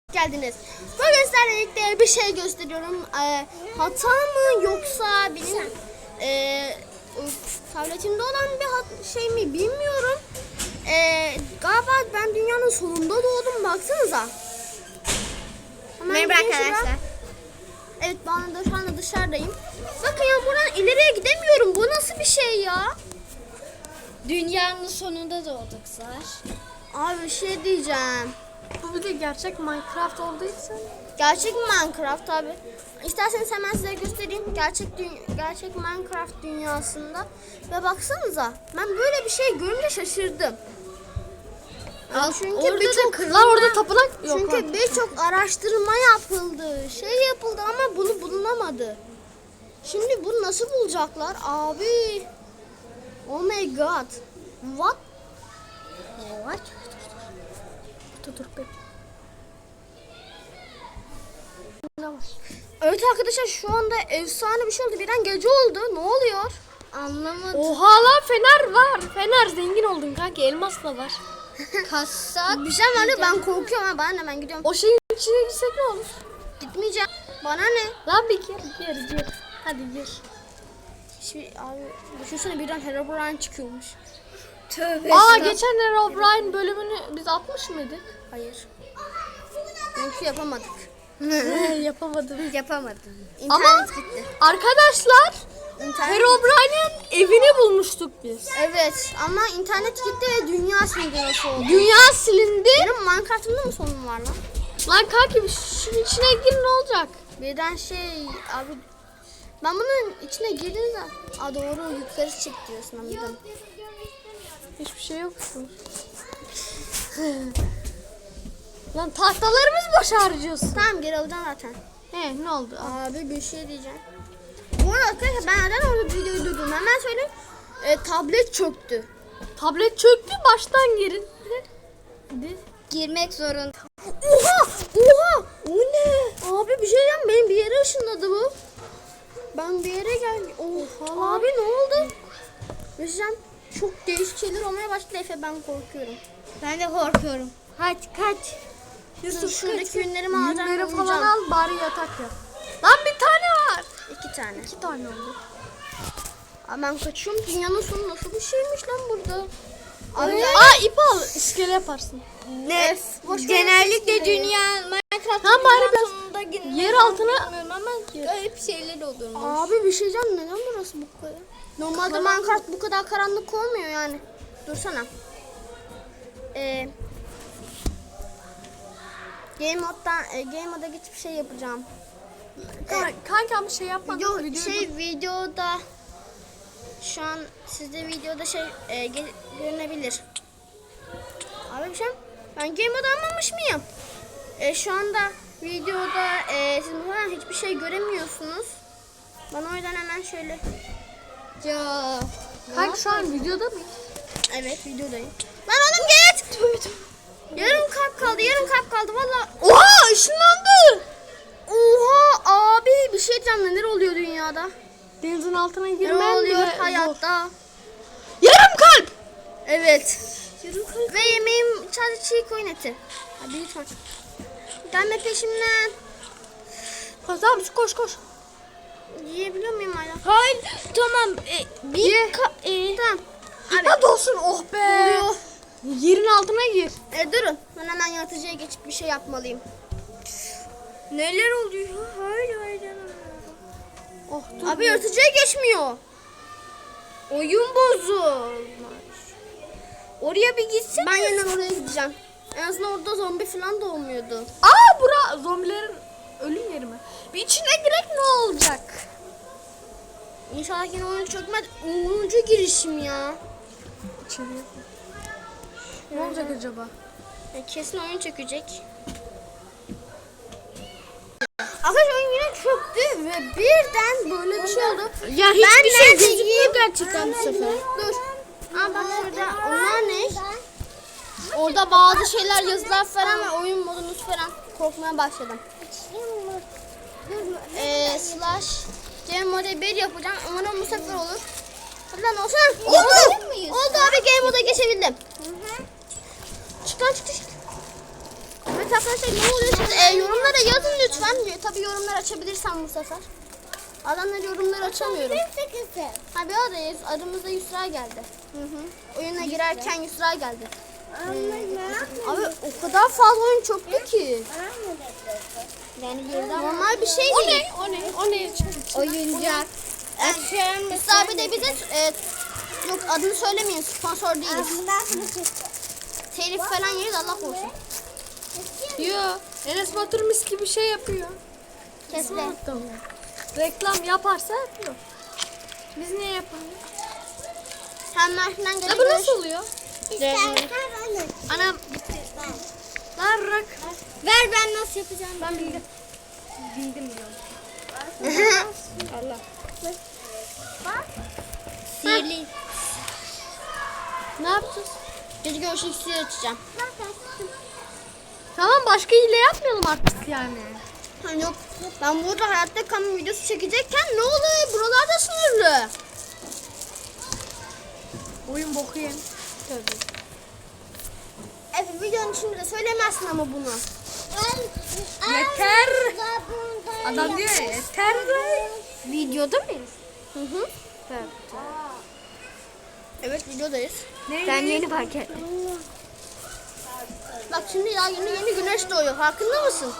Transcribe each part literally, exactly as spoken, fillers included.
Geldiniz. Bugün sizlerle birlikte bir şey gösteriyorum. Ee, hata mı yoksa benim e, tabletimde olan bir hat, şey mi bilmiyorum. Ee, galiba ben dünyanın sonunda doğdum. Baksanıza. Merhaba arkadaşlar. Evet, ben de şu anda dışarıdayım. Bakın ya, buradan ileriye gidemiyorum. Bu nasıl bir şey ya? Dünyanın sonunda doğduk Zar. Abi bir şey diyeceğim. Bu bir de gerçek Minecraft olduğu için. Gerçek Minecraft abi. İsterseniz hemen size göstereyim. Gerçek dü- gerçek Minecraft dünyasında. Ve baksanıza, ben böyle bir şey görünce şaşırdım. Al, çünkü birçok Lan orada tapınak yok. çünkü birçok araştırma yapıldı. Şey yapıldı ama bunu bulunamadı. Şimdi bunu nasıl bulacaklar abi? Oh my god. What? What? Dur dur dur. Evet arkadaşlar, şu anda efsane bir şey oldu. Birden gece oldu. Ne oluyor? Anlamadım. Oha lan fener var. Fener zengin oldun kanki. Elmas da var. Kassak. Bir şey var ya, ben korkuyorum ama ben hemen gidiyorum. O şeyin içine girsek ne olur? Gitmeyeceğim. Bana ne? Lan bir gir gir gir. Hadi gir. Şey, abi düşünsene, birden Herobrine çıkıyormuş. Tövbe. Aa geçen Herobrine bölümünü biz atmış mıydık? Hayır. Çünkü yapamadık. Yapamadım. Yapamadım. Ama İnternet gitti. arkadaşlar İnternet Herobrine'in evini bulmuştuk biz. Evet ama internet gitti ve dünya silindi, nasıl oldu? Dünya silindi. Benim Minecraft'ımda mı sorun var lan? Lan kanki şunun içine gir ne olacak? Birden şey abi, ben bunun içine girdim de. Aa doğru, yukarı çık diyorsun, anladım. Hiçbir şey yok. Lan tahtalarımız boş harcıyorsun. Tamam, geri alacağım zaten. He ne oldu? Abi bir şey diyeceğim. Bu arada arkadaşlar, ben neden orada videoyu durdum hemen söyleyeyim. E, tablet çöktü. Tablet çöktü, baştan girin. Hadi. Girmek zorunda. Oha! Oha! O ne? Abi bir şey diyeceğim, benim bir yere ışınladı bu. Ben bir yere geldim. Oha! Abi ne oldu? Bir şey diyeceğim, çok değişik şeyler olmaya başladı Efe, ben korkuyorum. Ben de korkuyorum. Kaç kaç. Yusuf, şuradaki ürünlerimi alacağım. Yünleri falan uyuyacağım. al bari yatak yap. Lan bir tane var. İki tane. İki tane oldu. Abi ben kaçıyorum. Dünyanın sonu nasıl bir şeymiş lan burada? Abi Abi, ya. aa ip al. İskele yaparsın. Ne? Boş ver, Genellikle iskeleyi. dünya Minecraft tamam, bari biraz yer altına ama garip şeyler olurmuş. Abi bir şey diyeceğim, neden burası bu kadar? Normalde Karanlık. Minecraft bu kadar karanlık olmuyor yani. Dursana. Ee, Game mode'dan e, Game mode'a geçip şey yapacağım. Kan- Kanka ama şey yapmadım. Video, Videoyu şey videoda şu an sizde videoda şey e, ge- görünebilir. Abi bir şey, ben Game mode almamış mıyım? E, şu anda videoda e, siz muhtemelen hiçbir şey göremiyorsunuz. Bana o yüzden hemen şöyle. Ya. Kanka şu an videoda mı? Evet, videodayım. Lan oğlum git. Yarım kalp kaldı, yarım kalp kaldı valla. Oha ışınlandı. Oha abi, bir şey diyeceğim, neler oluyor dünyada? Denizin altına Ne girmen oluyor bile hayatta? zor. Yarım kalp. Evet. Yarım kalp. Ve yemeğim sadece çiğ koyun eti. Hadi lütfen. Gelme peşimden. Tamam koş koş. Yiyebiliyor muyum hala? Hayır tamam. E, bir Ye. ka- e, Tamam. Hadi olsun oh be. Oluyor. Yerin altına gir. E, durun. Ben hemen yaratıcıya geçip bir şey yapmalıyım. Neler oluyor? Hayır hayır. Oh dur. Abi yaratıcıya geçmiyor. Oyun bozulmuş. Oraya bir gitsin. Ben yeniden oraya gideceğim. En azından orada zombi falan da olmuyordu. Aa bura zombilerin ölüm yeri mi? Bir içine girek ne olacak? İnşallah yine oyun çökmez. onuncu girişim ya. İçeriye. Ne olacak acaba? Ya kesin oyun çökecek. Arkadaşlar oyun yine çöktü ve birden böyle bir şey oldu. Ya Ben hiçbir şey neredeyim? gözükmüyor gerçekten bu sefer. Dur. Aa bak şurada, onlar ne? Orada bazı şeyler, yazılar falan ve oyun modunuz falan. Korkmaya başladım. Eee slash game mode bir yapacağım. Umarım bu sefer olur. Hadi lan olsun. Oldu. Oldu abi, game mode'a geçebildim. Çık lan, çık çık. Evet Evet arkadaşlar ne oluyor? Siz e, yorumlara yazın lütfen. Tabii yorumlar açabilirsem bu sefer. Adamlar yorumları açamıyorum. Ha bir adayız. Adımızda Yusra geldi. Hı hı. Oyuna girerken Yusra geldi. Abi o kadar fazla oyun çoktu ki. Yani normal bir şey O değil. ne? O ne? O ne? Oyuncak. Yusra abi de bize e, yok adını söylemeyin, sponsor değiliz. Telif falan yeriz, Allah korusun. Yo. Enes Batur mis gibi şey yapıyor. Kesme. Reklam yaparsa yapıyor. Biz niye yapalım? Sen Mersin'den Ya geri bu görüş. nasıl oluyor? Anam bitti. Lan rak. Ver ben nasıl yapacağım. Ben bildim. Bildim diyorum. Allah. Sihirli. Ne yapacağız? Gece görüşü iksiri açacağım. Tamam başka hile yapmayalım artık yani. Ha, yok. Ben burada hayatta kalma videosu çekecekken ne oluyor? Buralarda sınırlı. Oyun boku yem. Tabii. Evet videonun içinde de söylemezsin ama bunu. Yeter. Adam diyor ya yeter. Videoda mıyız? Hı hı. Evet. Evet videodayız. Ben yeni fark ettim. Bak şimdi ya yeni yeni güneş doğuyor. Farkında mısın?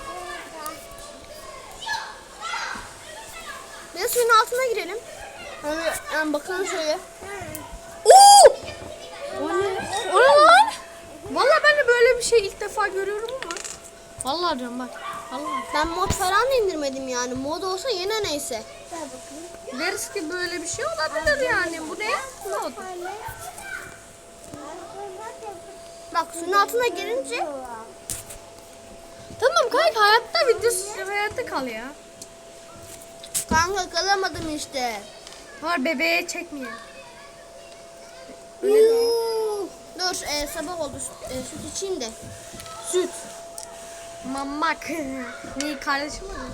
Bir de suyun altına girelim. Hani yani bakalım şöyle. Oo! O ne? O ne lan? Valla ben de böyle bir şey ilk defa görüyorum ama. Vallahi diyorum bak. Vallahi. Ben mod falan da indirmedim yani. Mod olsa yine neyse. Deriz ki böyle bir şey olabilir yani. Bu ne? Ne oldu? Bak suyun altına girince Tamam kanka hayatta videosu hayatta kal ya. kanka kalamadım işte. Var bebeğe çekmeyelim. Yuh. Dur e, sabah oldu. E, süt içeyim de. Süt. Mamak. Ne kardeşim mi?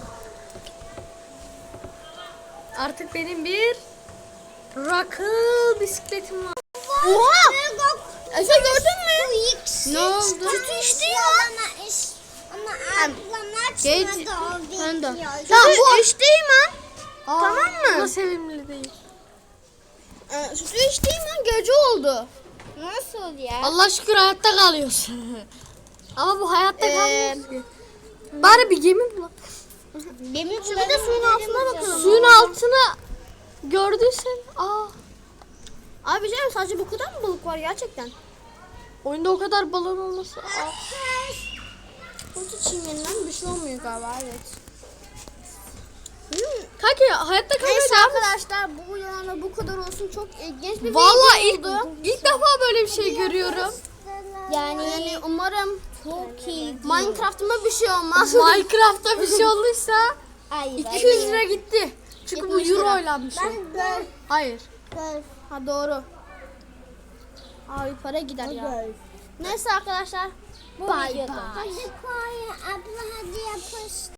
Artık benim bir rakıl bisikletim var. Oha! Efe gördün mü? Ne oldu? Sütü içti ya. Ama Geç. ablam Ben de. açmadı. Tamam bu içtiğim an. Aa, Tamam mı? Bu da sevimli değil. E, sütü içtiğim an gece oldu. Nasıl ya? Allah şükür hayatta kalıyorsun. Ama bu hayatta Ee, kalmıyoruz ki. Bari bir gemi bulalım. Benim Şimdi bir de suyun altına bakalım. Suyun altına gördüysen aa Abi canım sadece bu kadar mı balık var gerçekten? oyunda o kadar balon olması. Aa. Süt içeyim yeniden bir şey olmuyor galiba evet. Hmm. Kanka hayatta kalmaya Neyse devam et. arkadaşlar bu yana bu kadar olsun. Çok ilginç bir Vallahi ilk, video oldu. ilk defa böyle bir şey görüyorum. Yani, yani umarım çok iyi. Minecraft'ıma bir şey olmaz. Minecraft'ta bir şey olduysa Ay, iki yüz lira gitti. Çünkü bu yetmiş lira. euroyla bir şey. Ben Hayır. Ha doğru. Abi para gider ya. Neyse arkadaşlar. bu Bye videoda. bye. Hadi koy abla hadi yapış.